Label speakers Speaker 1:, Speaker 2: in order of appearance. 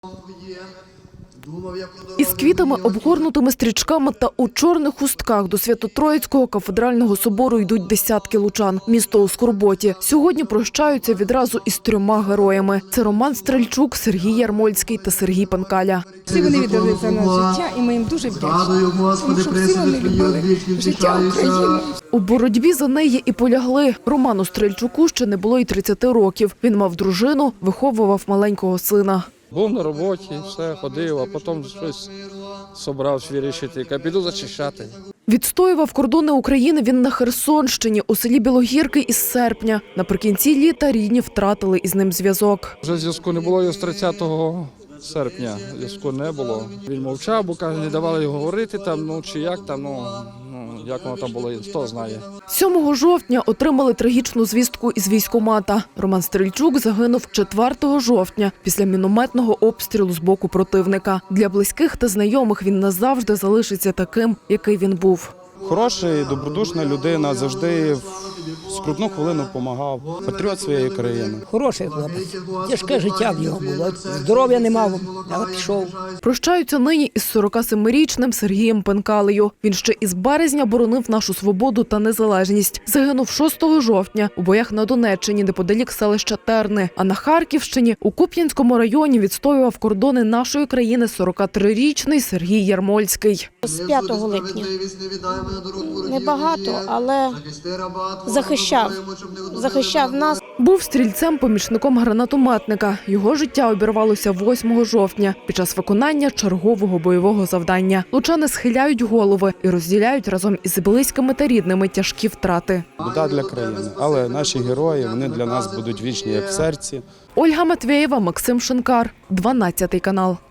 Speaker 1: Із квітами, обгорнутими стрічками та у чорних хустках до Свято-Троїцького кафедрального собору йдуть десятки лучан. Місто у скорботі. Сьогодні прощаються відразу із 3 героями. Це Роман Стрельчук, Сергій Ярмольський та Сергій Панкаля.
Speaker 2: Всі вони віддали за нас життя, і ми їм дуже вдячні, тому що всі вони любили життя України.
Speaker 1: У боротьбі за неї і полягли. Роману Стрельчуку ще не було й 30 років. Він мав дружину, виховував маленького сина.
Speaker 3: Був на роботі, все, ходив, а потім щось собрався вирішити, як піду зачищати.
Speaker 1: Відстоював кордони України він на Херсонщині, у селі Білогірки із серпня. Наприкінці літа рідні втратили із ним зв'язок.
Speaker 3: Вже зв'язку не було його з 30 серпня, зв'язку не було. Він мовчав, бо каже, не давали його говорити там, чи як там, як воно там було, хто знає.
Speaker 1: 7 жовтня отримали трагічну звістку із військкомата. Роман Стрельчук загинув 4 жовтня після мінометного обстрілу з боку противника. Для близьких та знайомих він назавжди залишиться таким, який він був.
Speaker 4: Хороший, добродушна людина, завжди в скрутну хвилину допомагав. Патріот своєї країни.
Speaker 5: Хороший хлопець. Тяжке життя в нього було. Здоров'я не мав, але пішов.
Speaker 1: Прощаються нині із 47-річним Сергієм Панкалею. Він ще із березня боронив нашу свободу та незалежність. Загинув 6 жовтня у боях на Донеччині, неподалік селища Терни. А на Харківщині у Куп'янському районі відстоював кордони нашої країни 43-річний Сергій Ярмольський.
Speaker 6: З 5 липня. Небагато, але захищав нас.
Speaker 1: Був стрільцем-помічником гранатометника. Його життя обірвалося 8 жовтня під час виконання чергового бойового завдання. Лучани схиляють голови і розділяють разом із близькими та рідними тяжкі втрати.
Speaker 4: Біда для країни, але наші герої, вони для нас будуть вічні, як в серці.
Speaker 1: Ольга Матвєєва, Максим Шинкар, 12 канал.